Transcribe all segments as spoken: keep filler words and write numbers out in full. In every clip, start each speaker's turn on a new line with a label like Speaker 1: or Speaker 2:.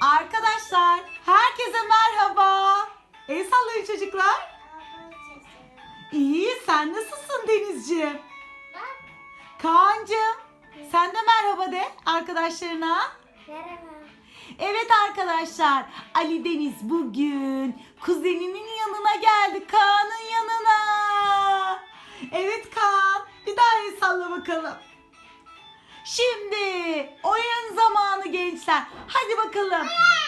Speaker 1: Arkadaşlar, herkese merhaba. El sallayın çocuklar. İyi, sen nasılsın Denizciğim? Kaan'cığım, sen de merhaba de arkadaşlarına.
Speaker 2: Merhaba.
Speaker 1: Evet arkadaşlar, Ali Deniz bugün kuzeninin yanına geldi, Kaan'ın yanına. Evet Kaan, bir daha el salla bakalım. Şimdi oyun zamanı gençler. Hadi bakalım.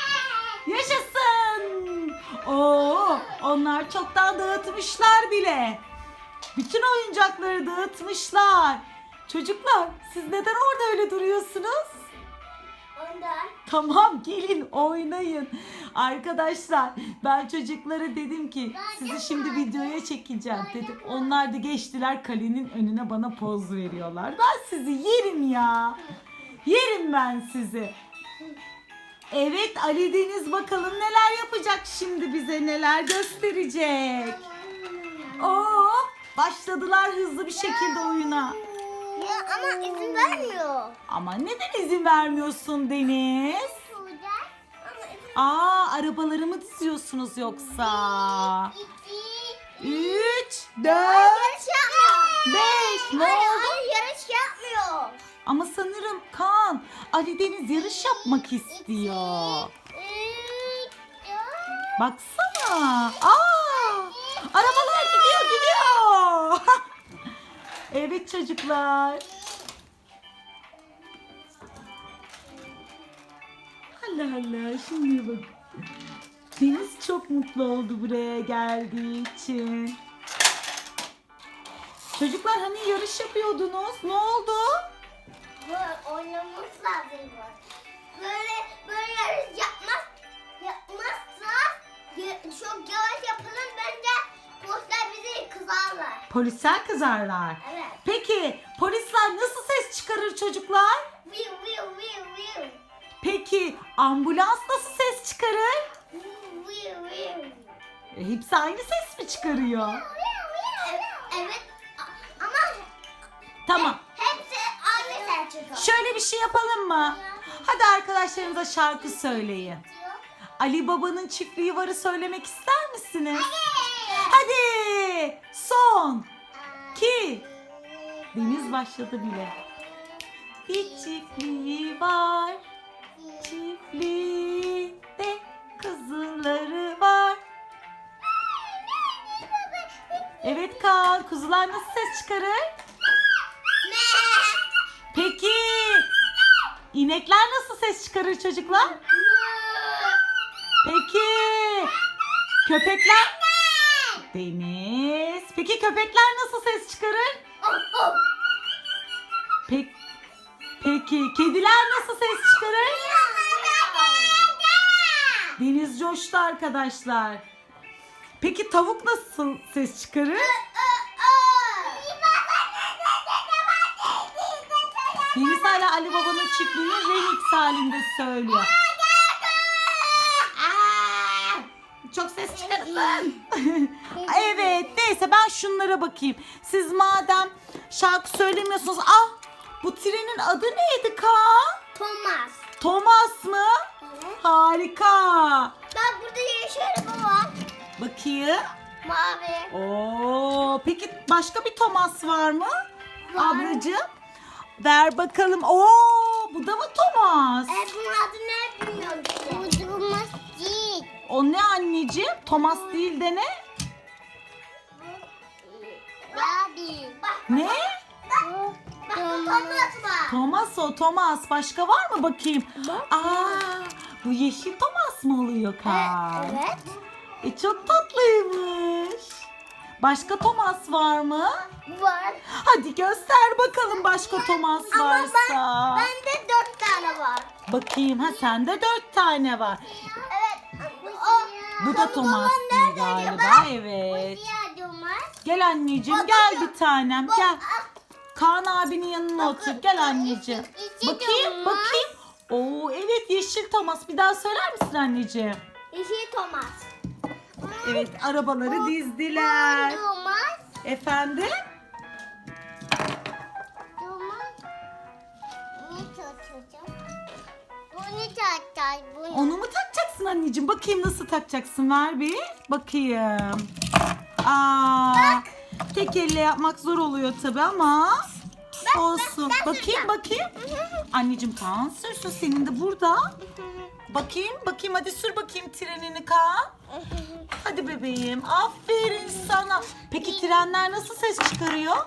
Speaker 1: Yaşasın. Oo, onlar çoktan dağıtmışlar bile. Bütün oyuncakları dağıtmışlar. Çocuklar, siz neden orada öyle duruyorsunuz?
Speaker 2: Ondan.
Speaker 1: Tamam, gelin oynayın. Arkadaşlar, ben çocuklara dedim ki sizi şimdi videoya çekeceğim dedim. Onlar da geçtiler, kalenin önüne bana poz veriyorlar. Ben sizi yerim ya. Yerim ben sizi. Evet, Ali Deniz bakalım neler yapacak şimdi, bize neler gösterecek. Oo, başladılar hızlı bir şekilde oyuna.
Speaker 2: Ya ama izin vermiyor.
Speaker 1: Ama neden izin vermiyorsun Deniz?
Speaker 2: Ama izin
Speaker 1: Aa, arabaları mı diziyorsunuz yoksa?
Speaker 2: İki.
Speaker 1: Üç, dört,
Speaker 2: Yarış yapmıyor.
Speaker 1: beş. Ne
Speaker 2: Hayır,
Speaker 1: oldu?
Speaker 2: hayır, yarış yapmıyor.
Speaker 1: Ama sanırım Kaan, Ali Deniz yarış yapmak istiyor.
Speaker 2: Üç. Dört.
Speaker 1: Baksana. Aa, arabalar gidiyor gidiyor. Evet çocuklar. Allah Allah, şimdi bak. Deniz çok mutlu oldu buraya geldiği için. Çocuklar, hani yarış yapıyordunuz? Ne oldu?
Speaker 2: Böyle oynamamız lazım böyle. Böyle böyle yarış yapmaz yapmazsa ya- çok yavaş yapalım, bence polisler bizi kızarlar.
Speaker 1: Polisler kızarlar.
Speaker 2: Evet.
Speaker 1: Peki polisler nasıl ses çıkarır çocuklar?
Speaker 2: Viu viu viu viu.
Speaker 1: Peki ambulans nasıl ses çıkarır?
Speaker 2: Viu viu viu.
Speaker 1: E, hepsi aynı ses mi çıkarıyor?
Speaker 2: Evet, evet. A- ama
Speaker 1: Tamam.
Speaker 2: hepsi aynı ses çıkıyor.
Speaker 1: Şöyle bir şey yapalım mı? Hadi arkadaşlarınıza şarkı söyleyin. Ali Baba'nın çiftliği varı söylemek ister misiniz? Hadi. Son. iki. Deniz başladı bile. Bir çiftliği var. Çiftliğinde kuzuları var. Evet Kaan, kuzular nasıl ses çıkarır? Peki inekler nasıl ses çıkarır çocuklar? Peki köpekler? Deniz. Peki köpekler nasıl ses çıkarır? Peki, peki kediler nasıl ses çıkarır? Deniz coştu arkadaşlar. Peki tavuk nasıl ses çıkarır? Deniz hala Ali Baba'nın çiftliğini remix halinde söylüyor. Aa, çok ses çıkarırsın. Evet, neyse ben şunlara bakayım. Siz madem şarkı söylemiyorsunuz. Ah, bu trenin adı neydi Kaan?
Speaker 2: Thomas.
Speaker 1: Thomas mı?
Speaker 2: Evet.
Speaker 1: Harika.
Speaker 2: Bak burada yeşil araba var.
Speaker 1: Bakayım.
Speaker 2: Mavi.
Speaker 1: Oo, peki başka bir Thomas var mı?
Speaker 2: Var.
Speaker 1: Ablacığım. Ver bakalım. Oo, bu da mı Thomas?
Speaker 2: E, bunun adı ne bilmiyorum işte. Bu Thomas değil.
Speaker 1: O ne anneciğim? Thomas değil de ne?
Speaker 2: Abi. Bak.
Speaker 1: Ne?
Speaker 2: Bak. Bak bu Thomas var.
Speaker 1: Thomas o, Thomas. Başka var mı bakayım? Aa, bu yeşil Thomas mı oluyor Kaan?
Speaker 2: Evet.
Speaker 1: E, çok tatlıymış. Başka Thomas var mı?
Speaker 2: Var.
Speaker 1: Hadi göster bakalım başka Thomas
Speaker 2: Ama
Speaker 1: varsa.
Speaker 2: ben, bende dört tane var.
Speaker 1: Bakayım, ha sende dört tane var.
Speaker 2: Evet. O,
Speaker 1: Bu da Thomas değil galiba. Evet.
Speaker 2: Bu diğer Thomas.
Speaker 1: Gel anneciğim,
Speaker 2: Bak,
Speaker 1: gel
Speaker 2: bak,
Speaker 1: bir tanem,
Speaker 2: bak,
Speaker 1: gel.
Speaker 2: ah.
Speaker 1: Kaan abinin yanına otur. Gel anneciğim.
Speaker 2: İki
Speaker 1: Bakayım,
Speaker 2: Thomas.
Speaker 1: bakayım. Oo, evet yeşil Thomas. Bir daha söyler misin anneciğim?
Speaker 2: Yeşil Thomas.
Speaker 1: Evet, arabaları dizdiler.
Speaker 2: Thomas.
Speaker 1: Efendim?
Speaker 2: Thomas. Ne tutacağım? Bunu tutacağız. Bunu.
Speaker 1: Onu mu takacaksın anneciğim. Bakayım nasıl takacaksın. Ver bir. Bakayım. Aa, tek elle yapmak zor oluyor tabii ama olsun.
Speaker 2: ben
Speaker 1: Bakayım
Speaker 2: süreceğim.
Speaker 1: bakayım. Anneciğim Kaan sürsün, senin de burada. Bakayım bakayım, hadi sür bakayım trenini Kaan. Hadi bebeğim, aferin sana. Peki trenler nasıl ses çıkarıyor?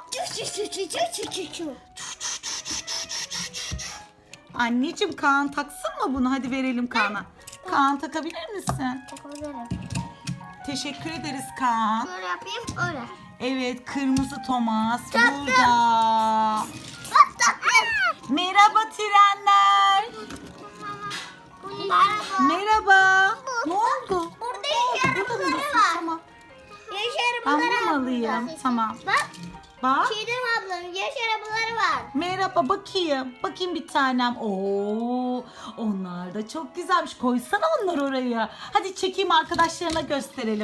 Speaker 1: Anneciğim Kaan taksın mı bunu? Hadi verelim Kaan'a. Kaan takabilir misin? Teşekkür ederiz Kaan.
Speaker 2: Böyle yapayım öyle.
Speaker 1: Evet, kırmızı Thomas
Speaker 2: Taktım.
Speaker 1: burada.
Speaker 2: Bak tatlım.
Speaker 1: Merhaba trenler.
Speaker 2: Merhaba.
Speaker 1: Merhaba. Ne oldu?
Speaker 2: Burada
Speaker 1: Aa,
Speaker 2: yaş
Speaker 1: burada mı
Speaker 2: arabaları
Speaker 1: diyorsun?
Speaker 2: var.
Speaker 1: Tamam.
Speaker 2: Yaş
Speaker 1: Ben
Speaker 2: arabaları
Speaker 1: bunu mu
Speaker 2: var
Speaker 1: alayım?
Speaker 2: burada.
Speaker 1: Tamam.
Speaker 2: Bak
Speaker 1: Bak.
Speaker 2: Çiğdem ablanın yaş arabaları var.
Speaker 1: Merhaba, bakayım. Bakayım bir tanem. Oo, onlar da çok güzelmiş. Koysana onları oraya. Hadi çekeyim, arkadaşlarına gösterelim.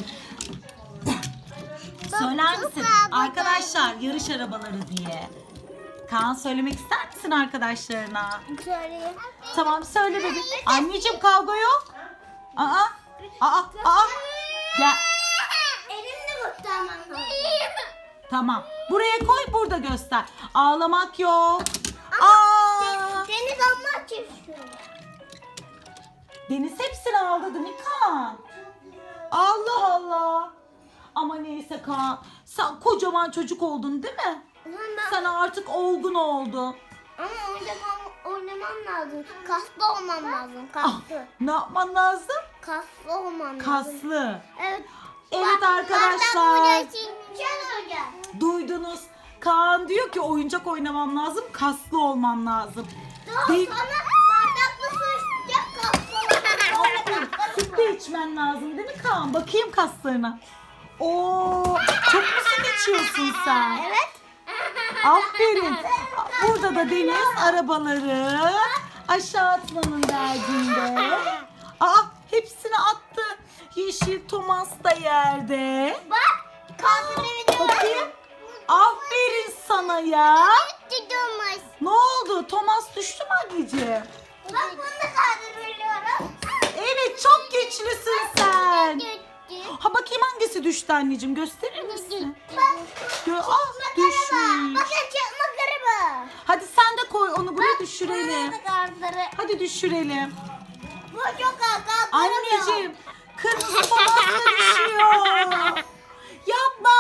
Speaker 1: Söyler
Speaker 2: çok
Speaker 1: misin?
Speaker 2: güzel bu
Speaker 1: Arkadaşlar, yarış arabaları diye. Kaan, söylemek ister misin arkadaşlarına?
Speaker 2: Söyleyeyim.
Speaker 1: Tamam, söyle bebeğim. Anneciğim, kavga yok. Aa, aa, aa. Gel.
Speaker 2: Elimle kurtarmam lazım.
Speaker 1: Tamam. Buraya koy, burada göster. Ağlamak yok. Aa!
Speaker 2: Deniz almak istiyorum.
Speaker 1: Deniz hepsini aldı değil mi Kaan? Allah Allah. Ama neyse Kaan. Sen kocaman çocuk oldun değil mi?
Speaker 2: Ulan ben...
Speaker 1: Sen artık olgun oldun.
Speaker 2: Ama oynamam, oynamam lazım. Kaslı olmam lazım.
Speaker 1: Ah,
Speaker 2: Kaslı.
Speaker 1: ne yapman lazım?
Speaker 2: Kaslı olmam lazım.
Speaker 1: Kaslı.
Speaker 2: Evet.
Speaker 1: Evet
Speaker 2: Bak,
Speaker 1: arkadaşlar.
Speaker 2: bardak bu Can Hoca.
Speaker 1: Duydunuz. Kaan diyor ki oyuncak oynamam lazım, kaslı olmam lazım.
Speaker 2: Daha
Speaker 1: Değil-
Speaker 2: sonra bardaklı su içecek kaslı olmam.
Speaker 1: Süt de içmen lazım değil mi Kaan? Bakayım kaslarına. Oo, çok mu süt içiyorsun sen?
Speaker 2: Evet.
Speaker 1: Aferin. Burada da Deniz arabaları aşağı atmanın derdinde. Aa, hepsini attı. Yeşil Thomas da yerde.
Speaker 2: Bak. Kaslı bir
Speaker 1: Bakayım. Aferin sana ya.
Speaker 2: Tutumuz.
Speaker 1: Ne oldu? Thomas düştü mü anneciğim?
Speaker 2: Bak bunu da kaldırıyorum.
Speaker 1: Evet, çok güçlüsün sen. Ha, bakayım hangisi düştü anneciğim, gösterir misin? Gö ah, düşmüş.
Speaker 2: Bakın çakmak araba.
Speaker 1: Hadi sen de koy onu, buraya düşürelim.
Speaker 2: Bunu da kaldırı.
Speaker 1: Hadi düşürelim.
Speaker 2: Bu çok ağır.
Speaker 1: Anneciğim, kırmızı Thomas da düşüyor. Yapma.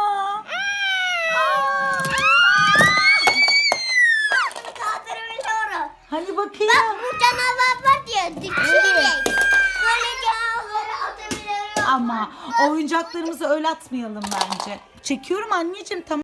Speaker 1: Aa.
Speaker 2: Bunu kaldırabiliyorum.
Speaker 1: Hani bakayım.
Speaker 2: Bak bu canavar var ya. Düşürecek. Böyle canavarları atabiliyorum.
Speaker 1: Ama oyuncaklarımızı öyle atmayalım bence. Çekiyorum anneciğim, tamam.